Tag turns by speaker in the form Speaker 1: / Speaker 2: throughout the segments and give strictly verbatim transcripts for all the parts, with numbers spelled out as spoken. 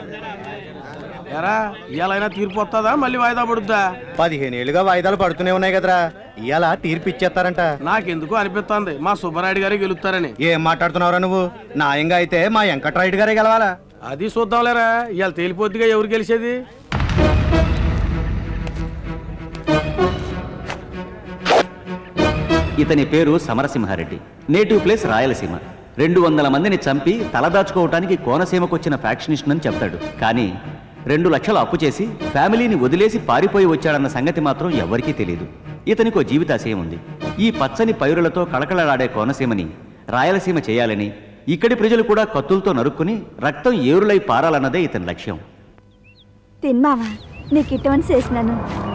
Speaker 1: ఎరా ఇవాళైనా తీర్పు వస్తుందా మళ్ళీ వాయిదా పడుద్దా?
Speaker 2: పదిహేను ఏళ్ళుగా వాయిదాలు పడుతూనే ఉన్నాయి కదరా, ఇవాళ తీర్పు ఇచ్చేస్తారంట.
Speaker 1: నాకెందుకు అనిపిస్తుంది మా సుబ్బరాయుడు గారే గెలుస్తారని.
Speaker 2: ఏం మాట్లాడుతున్నావురా నువ్వు? న్యాయంగా అయితే మా వెంకట్రాయుడు గారే గెలవాలా.
Speaker 1: అది చూద్దాంలేరా, ఇవాళ తేలిపోద్దిగా ఎవరు గెలిచేది.
Speaker 3: ఇతని పేరు సమరసింహారెడ్డి, నేటివ్ ప్లేస్ రాయలసీమ. రెండు వందల మందిని చంపి తలదాచుకోవటానికి కోనసీమకొచ్చిన ఫ్యాక్షనిస్ట్ అని చెప్తాడు. కానీ రెండు లక్షలు అప్పు చేసి ఫ్యామిలీని వదిలేసి పారిపోయి వచ్చాడన్న సంగతి మాత్రం ఎవరికీ తెలియదు. ఇతనికో జీవితాశయం ఉంది. ఈ పచ్చని పైరులతో కళకళలాడే కోనసీమని రాయలసీమ చేయాలని, ఇక్కడి ప్రజలు కూడా కత్తులతో నరుక్కుని రక్తం ఏరులై పారాలన్నదే ఇతని లక్ష్యం.
Speaker 4: తిన్నావా? నీకు ఇటువంటి చేసినాను.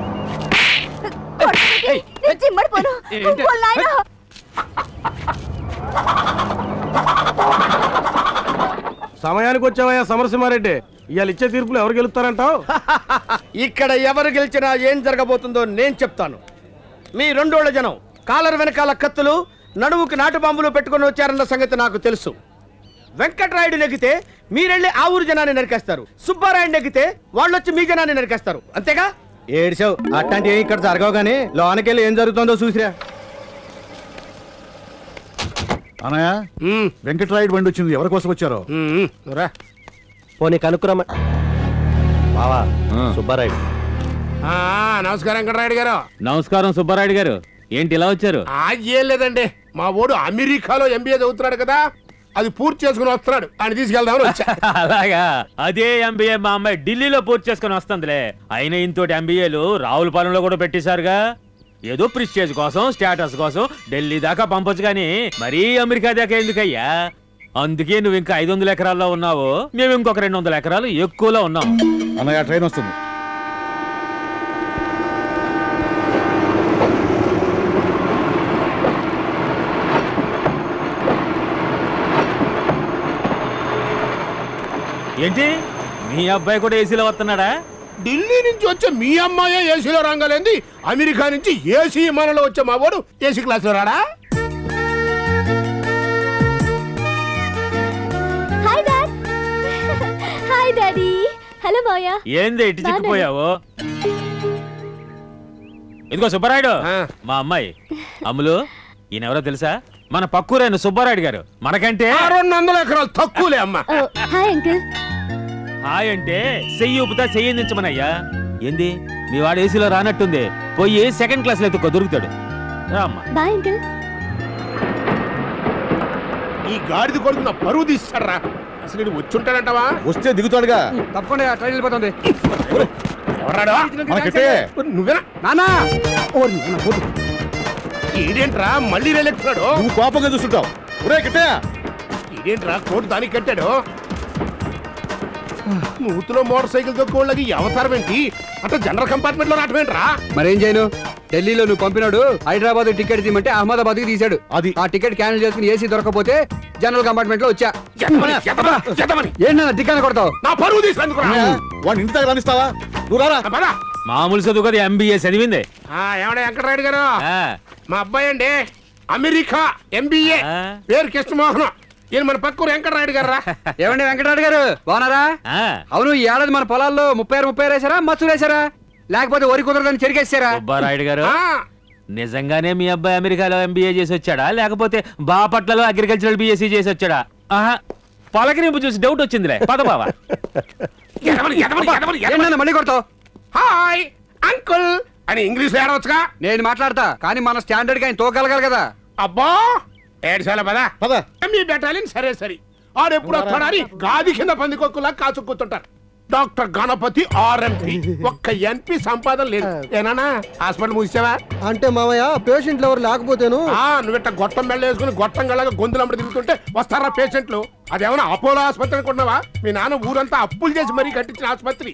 Speaker 1: సమయానికి వచ్చావయ్యా సమరసింహారెడ్డి, ఇవాళ ఇచ్చే తీర్పులు ఎవరు గెలుస్తారంటావు?
Speaker 5: ఇక్కడ ఎవరు గెలిచినా ఏం జరగబోతుందో నేను చెప్తాను. మీ రెండోళ్ల జనం కాలర్ వెనకాల కత్తులు, నడుముకి నాటు బాంబులు పెట్టుకుని వచ్చారన్న సంగతి నాకు తెలుసు. వెంకట్రాయుడు నెగ్గితే మీరెళ్ళి ఆ ఊరు జనాన్ని నరికేస్తారు. సుబ్బారాయుడు నెగ్గితే వాళ్ళు వచ్చి మీ జనాన్ని నరికేస్తారు. అంతేగా?
Speaker 2: ఏడ్చావు, అట్లాంటి ఏం ఇక్కడ జరగవు. కానీ లోనకెళ్ళి ఏం జరుగుతుందో చూసిరా.
Speaker 6: అనయా, వెంకట్రాయుడు బండి వచ్చింది. ఎవరి కోసం వచ్చారో
Speaker 5: పోనీ కనుక్కురమ్మ. బావా సుబ్బారాయుడు.
Speaker 1: నమస్కారం వెంకటరాయుడు గారు.
Speaker 7: నమస్కారం సుబ్బారాయుడు గారు. ఏంటి ఇలా వచ్చారు?
Speaker 1: ఏం లేదండి, మా ఓడు అమెరికాలో ఎంబీఏ చదువుతున్నాడు కదా, అది పూర్తి చేసుకుని వస్తున్నాడు, అని తీసుకెళ్దామని వచ్చా.
Speaker 7: అలాగా? అదే ఎంబీఏ మా అమ్మాయి ఢిల్లీలో పూర్తి చేసుకుని వస్తుందిలే. అయినా ఇంతోటి ఎంబీఏలు రావులపాలెంలో కూడా పెట్టేశారుగా. ఏదో ప్రిస్టేజ్ కోసం, స్టేటస్ కోసం ఢిల్లీ దాకా పంపొచ్చు కానీ మరీ అమెరికా దాకా ఎందుకయ్యా? అందుకే నువ్వు ఇంకా ఐదు వందల ఎకరాల్లో ఉన్నావు, మేము ఇంకొక రెండు వందల ఎకరాలు ఎక్కువలో ఉన్నాం.
Speaker 6: అన్నయ్య ట్రైన్ వస్తుంది.
Speaker 7: ఏంటి మీ అబ్బాయి కూడా ఏసీలో వస్తున్నాడా?
Speaker 1: ఢిల్లీ నుంచి వచ్చే మీ అమ్మాయి ఏసీలో రంగలేంది, అమెరికా నుంచి ఏసీ విమానంలో వచ్చే మా వాడు ఏసీ క్లాస్ లో రాడా?
Speaker 4: Hi dad. Hi daddy. Hello Maya.
Speaker 7: ఏంది ఇటు చిక్కిపోయావు? ఇదిగో సుబ్బారాయుడు, మా అమ్మాయి అమ్ములు. ఈయనెవరో తెలుసా? మన పక్కూరైన సుబ్బారాయుడు గారు. మనకంటే
Speaker 1: రెండు వందల ఎకరాలు తక్కువలే అమ్మా.
Speaker 4: Hi uncle.
Speaker 7: హాయ్ అంటే చెయ్యి ఊపుతా చెయ్యించమనయ్యా. ఏంది మీ వాడు ఏసీలో రానట్టుంది, పోయి సెకండ్ క్లాస్ లో ఎత్తుకో, దొరుకుతాడు. రామ్మా.
Speaker 4: Bye uncle.
Speaker 1: ఈ గాడిద కొడుకు నా పరువు తీస్తారా? అసలు నేను వచ్చి ఉంటాడంటావా?
Speaker 6: వస్తే దిగుతాడుగా.
Speaker 5: తప్పకుండా ట్రైన్ వెళ్ళిపోతుంది.
Speaker 1: నువ్వేనా
Speaker 5: నానా?
Speaker 1: ఇదేంట్రా మళ్ళీ రేలెక్కుతున్నాడు?
Speaker 6: నువ్వు కోపంగా చూస్తుంటావు.
Speaker 1: ఇదేంట్రా కోటు దానికి కట్టాడు? నూతులో మోటార్ సైకిల్ తొక్కోళ్ళకి అవతారం ఏంటి? అంటే జనరల్ కంపార్ట్మెంట్ లో రావటమేంట్రా?
Speaker 5: మరేం చేయను? ఢిల్లీలో నువ్వు పంపినాడు హైదరాబాద్ టికెట్ తీయమంటే అహ్మదాబాద్ కి తీశాడు.
Speaker 6: అది
Speaker 5: ఆ టికెట్ క్యాన్సిల్ చేసుకుని ఏసీ దొరకపోతే జనరల్ కంపార్ట్మెంట్ లో వచ్చా. ఏంటన్నా టికెట్ కొడతావు?
Speaker 1: నా పరువు తీసుకుందుకు
Speaker 6: వాడిని ఇంటి దగ్గర రానిస్తావా? నువ్వు రారా.
Speaker 7: మామూలు చదువు కదా, ఎంబీఏ చదివిందే.
Speaker 1: ఏమన్నా వెంకటరాయుడు గారు,
Speaker 7: ఆ,
Speaker 1: మా అబ్బాయి అండి అమెరికా ఎంబీఏ,
Speaker 7: ఆ.
Speaker 1: పేరు కృష్ణమోహన్. ఈయన మన పక్కూరు వెంకటరాయుడు గారు.
Speaker 5: ఏమండి వెంకటరాయుడు గారు బాగున్నారా?
Speaker 7: ఆ.
Speaker 5: అవును, ఈ ఏడాది మన పొలాల్లో ముప్పై ఆరు ముప్పై ఆరు వేసారా, మచ్చులు వేసారా, లేకపోతే వరి కుదరదని చెరిగేసారా?
Speaker 7: సుబ్బారాయుడు గారు, నిజంగానే మీ అబ్బాయి అమెరికాలో ఎంబీఏ చేసి వచ్చాడా, లేకపోతే బాపట్లలో అగ్రికల్చరల్ బీఎస్సీ చేసి వచ్చాడా? ఆహా, పలకరింపు చూసి డౌట్ వచ్చిందిలే. పద బావా.
Speaker 5: మళ్ళీ కొడతావు?
Speaker 1: హాయ్ అంకుల్ అని ఇంగ్లీష్ లో ఏడవచ్చుగా.
Speaker 5: నేను మాట్లాడతా, కానీ మన స్టాండర్డ్ గా ఆయన తోగలగాలి కదా.
Speaker 1: అబ్బా ఏడ్చాల పదా
Speaker 6: పద.
Speaker 1: మీ బెటాలియన్ సరే సరే. ఆడు ఎప్పుడు వస్తాడని గాది కింద పందికొక్కులా కాచుకుంటుంటారు. డాక్టర్ గణపతి ఆర్ఎంపీ, ఒక్క ఎంపీ సంపాదన లేదు. ఏనా హాస్పిటల్ మూసావా?
Speaker 2: అంటే మామయ్య పేషెంట్లు ఎవరు లేకపోతేను.
Speaker 1: నువ్విట్ట గొట్టం బెళ్ళ వేసుకుని గొట్టం గళ్ళగా గొంతులమ్మడి తిరుగుతుంటే వస్తారా పేషెంట్లు? అదేమన్నా అపోలో ఆసుపత్రి అనుకుంటున్నావా? మీ నాన్న ఊరంతా అప్పులు చేసి మరీ కట్టించిన ఆసుపత్రి.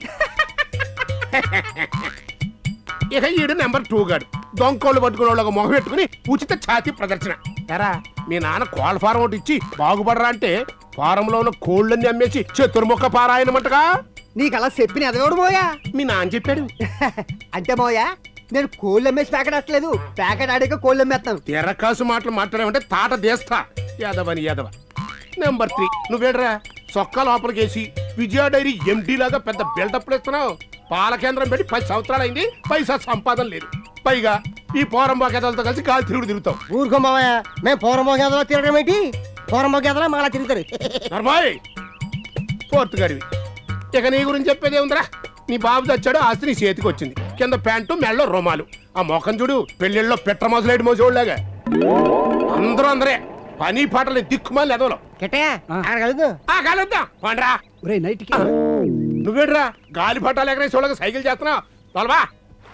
Speaker 1: ఇక ఈడు నెంబర్ టూ గాడు దొంకోళ్ళు పట్టుకునే వాళ్ళకి మొహం పెట్టుకుని ఉచిత ఛాతీ ప్రదర్శన. ఎరా మీ నాన్న కోళ్ళ ఫారం ఒకటి ఇచ్చి బాగుపడరా అంటే ఫారంలో ఉన్న కోళ్ళని అమ్మేసి చతుర్ముఖ పారాయణమంటగా.
Speaker 2: నీకు అలా చెప్పిన ఎదగోడు మోయా?
Speaker 1: మీ నాన్న చెప్పాడు.
Speaker 2: అంటే మోయా నేను కోళ్ళు అమ్మేసి ప్యాకెట్ వస్తలేదు, ప్యాకెట్ ఆడాక కోళ్ళు అమ్మేస్తాను.
Speaker 1: తెరకాసు మాటలు మాట్లాడామంటే తాట దేస్తా. యాదవని యాదవ. నెంబర్ త్రీ నువ్వేడ్రా సొక్కా లోపలికేసి విజయ డైరీ ఎండి లాగా పెద్ద బిల్డప్ ఇస్తున్నావు. పాల కేంద్రం పెట్టి పది సంవత్సరాలు అయింది, పైసా సంపాదన లేదు. పైగా ఈ పోరంబా గేదలతో కలిసి గాలి తిరుగుడు తిరుగుతావు.
Speaker 8: ఊరుకో మామయ్య, మేము పూర్వమో గేదలో తిరగడం ఏంటి? పూర్వమో గేదలో మాలా తిరుగుతారు.
Speaker 1: నర్మాయ్ ఫోర్త్ గడివి. ఇక నీ గురించి చెప్పేదే ఉందిరా. నీ బాబు తెచ్చాడు, ఆస్తి నీ చేతికి వచ్చింది. కింద ప్యాంటు మెళ్ళలో రుమాలు. ఆ మొఖం చూడు పెళ్ళిళ్ళలో పెట్ట మోసలేడు మోసోళ్ళగా. అందరూ అందరే పని పాటలు దిక్కుమాలి ఎదవలో.
Speaker 8: కెట్టయ్య అక్కడ కలుద్దు.
Speaker 1: ఆ కలుద్దాం పండ్రా. నువ్వేడ్రా గాలి పట్టాలు ఎగరేసి వాళ్ళకి సైకిల్ చేస్తున్నావు. తొలవా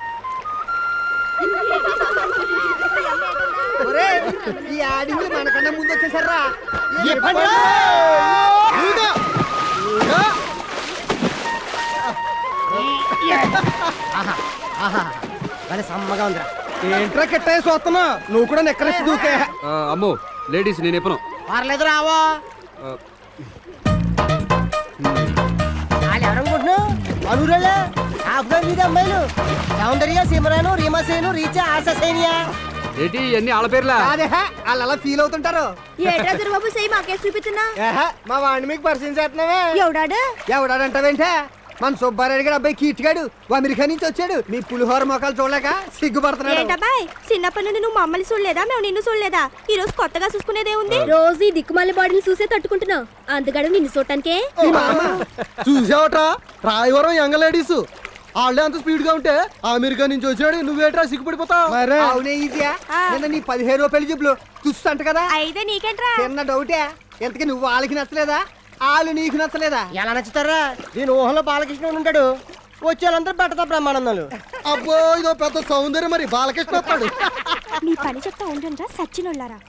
Speaker 8: ఈ ఆడింగులు మనకన్నా ముందు వచ్చేసారా? సమ్మగా ఉందిరా.
Speaker 5: ఏంట్రా కెట్టయ్య చూస్తున్నా? నువ్వు కూడా నెక్కరెచ్చి దూకే.
Speaker 9: అమ్మో లేడీస్ నేను ఎప్పను
Speaker 8: పర్లేదు రావో. వాళ్ళు ఎవరనుకుంటున్నావు? అనురాలే ఆఫ్ఘన్ మీద అమ్మాయిలు సౌందర్య, సిమరాను, రీమాసేను, రీచా, ఆశా సైనియా.
Speaker 9: ఏంటి ఇవన్నీ ఆళ్ళ పేర్లా?
Speaker 8: అదే వాళ్ళు అలా ఫీల్ అవుతుంటారు.
Speaker 4: ఏట్రా దుర్బాబు సై మాకే చూపిస్తున్నా.
Speaker 8: మా వాడిని మీకు పరిచయం చేస్తున్నావే.
Speaker 4: ఎవడాడు?
Speaker 8: ఎవడాడంటావేంటే? మన సుబ్బారెడ్డి గారు అబ్బాయి కీర్తిగాడు అమెరికా నుంచి వచ్చాడు. మీ పులిహోర మొక్కలు చూడలేక సిగ్గుపడుతున్నాడు.
Speaker 4: ఏంటబ్బాయ్ చిన్నప్పటి నుండి నువ్వు మమ్మల్ని చూడలేదా, మేము నిన్ను చూడలేదా? ఈ రోజు కొత్తగా చూసుకునేదే ఉంది. రోజు ఈ దిక్కుమాలి బాడీని చూసే తట్టుకుంటున్నావు, అందుకడు నిన్ను చూడటానికే.
Speaker 8: చూసావట రాయవరం యంగ్ లేడీస్ వాళ్ళే అంత స్పీడ్ గా ఉంటే అమెరికా నుంచి వచ్చాడు, నువ్వేట్రా సిగ్గుపడిపోతావు? అవునే ఈజీయా. నిన్న నీ పదిహేను రూపాయల జబ్బులు చూస్తంట కదా.
Speaker 4: అయితే నీకేంట్రా?
Speaker 8: చిన్న డౌటే, ఎంతకి నువ్వు వాళ్ళకి నచ్చలేదా, వాళ్ళు నీకు నచ్చలేదా? ఎలా నచ్చుతారా? దీని ఊహలో బాలకృష్ణ ఉంటాడు, వచ్చేళ్ళందరూ పట్టదా బ్రహ్మానందాలు. అబ్బో ఇదో పెద్ద సౌందర్యం. మరి బాలకృష్ణ వస్తాడు.
Speaker 4: నీ పని చెప్తా ఉండండిరా సచ్చినోళ్ళారా.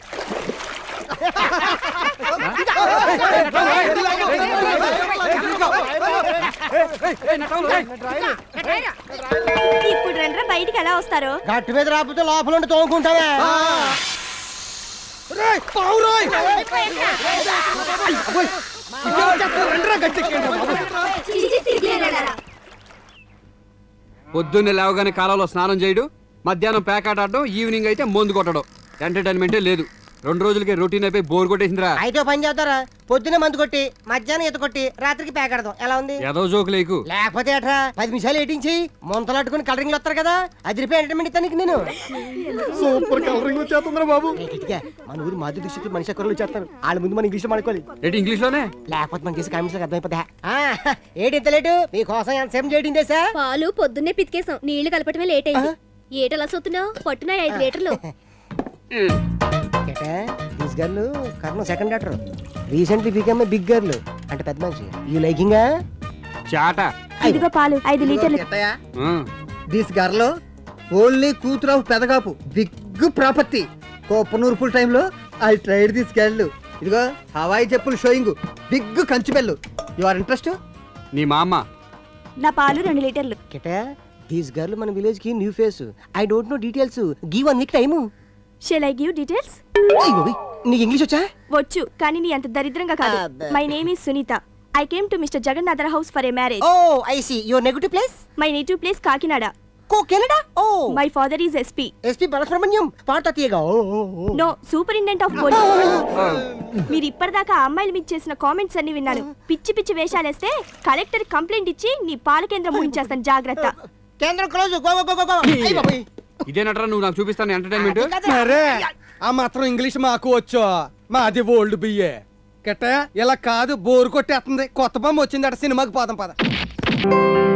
Speaker 4: ఇప్పుడు రండ్రా బయటికి ఎలా వస్తారు?
Speaker 8: గట్టి మీద రాకపోతే లోపల ఉండి తోముకుంటావా?
Speaker 9: పొద్దున్నే లేవగానే కాలంలో స్నానం చేయడు, మధ్యాహ్నం పేకాట ఆడడం, ఈవినింగ్ అయితే మందు కొట్టడం. ఎంటర్టైన్మెంటే లేదు. రెండు రోజులకి రొటీన్ అయిపోయి బోర్ కొట్టేసిందిరా.
Speaker 8: అయితే పని చేస్తారా? పొద్దున్నే మందు కొట్టి మధ్యాహ్నం ఈత కొట్టి రాత్రికి ప్యాకెడదాం. ఎలా ఉంది?
Speaker 9: ఏదో జోకు లేకు.
Speaker 8: లేకపోతే అట్రా పది నిమిషాలు ఏటించి మొంతలాట్టుకుని కలరింగ్ వస్తారు కదా, అదిరిపోయి ఎంటర్టైన్మెంట్ ఇస్తాను నేను. సూపర్ కలరింగ్ వచ్చేస్తుందిరా బాబు. మన ఊరు మాధురి దృష్టికి మనిషి అక్కర్లు వచ్చేస్తారు. వాళ్ళ ముందు మన ఇంగ్లీష్ అనుకోవాలి.
Speaker 9: ఏంటి ఇంగ్లీష్ లోనే?
Speaker 8: లేకపోతే మన చేసి కామెంట్స్ అర్థమైపోతా. ఏటి ఇంత లేటు? మీకోసం ఎంతసేపు చేయడం చేసా?
Speaker 4: పాలు పొద్దున్నే పితికేసాం, నీళ్లు కలపటమే లేట్ అయింది. ఏటలా సొత్తున్నావు? పట్టునాయి ఐదు లీటర్లు.
Speaker 8: This girl Karna second doctor recently become a big girl. అంటే పెద్ద మనిషి. You liking?
Speaker 9: చాట.
Speaker 4: ఇదిగో పాలు ఐదు లీటర్లు.
Speaker 8: దిస్ గర్ల్ ఓన్లీ కూతురు ఆఫ్ పెదగాపు, బిగ్ ప్రాపర్టీ. కోపనూరు ఫుల్ టైమ్ లో ఐ ట్రైడ్ దిస్ గర్ల్. ఇదిగో హవాయి చెప్పులు షోయింగ్, బిగ్ కంచి బెల్లు. You are interest?
Speaker 9: నీ మా అమ్మ.
Speaker 4: నా పాలు రెండు లీటర్లు.
Speaker 8: కెటా దిస్ గర్ల్ మన విలేజ్ కి new face. I don't know details. Give one week time.
Speaker 4: Shall I give details?
Speaker 8: నీకు ఇంగ్లీష్ వచ్చా?
Speaker 4: వచ్చు, కానీ నీ అంత దరిద్రంగా కాదు. My name is Sunitha. I came to mister Jagannathar house for a marriage.
Speaker 8: Oh I see. Your negative place?
Speaker 4: My native place Kakinada.
Speaker 8: కో Canada? Oh
Speaker 4: my father is SP.
Speaker 8: SP Balasubrahmanyam పాట తీయగా.
Speaker 4: No, superintendent of police. మీరు ఇప్పటిదాకా ఆ అమ్మాయిలు మీకు చేసిన comments అన్ని విన్నాను. పిచ్చి పిచ్చి వేషాలేస్తే కలెక్టర్ కంప్లైంట్ ఇచ్చి నీ పాల కేంద్రం ముగించేస్తాను, జాగ్రత్త.
Speaker 8: కేంద్రం close. Go go go go. అయ్య బాబోయ్.
Speaker 9: ఇదేనట్రా నువ్వు నాకు చూపిస్తాను ఎంటర్టైన్మెంట్?
Speaker 5: మరే ఆ మాత్రం ఇంగ్లీష్ మాకు వచ్చు. మాది ఓల్డ్ బియ్యే. కెట్టయ్య ఇలా కాదు, బోరు కొట్టేస్తుంది. కొత్త బొమ్మ వచ్చిందట, సినిమాకి పోదాం పద.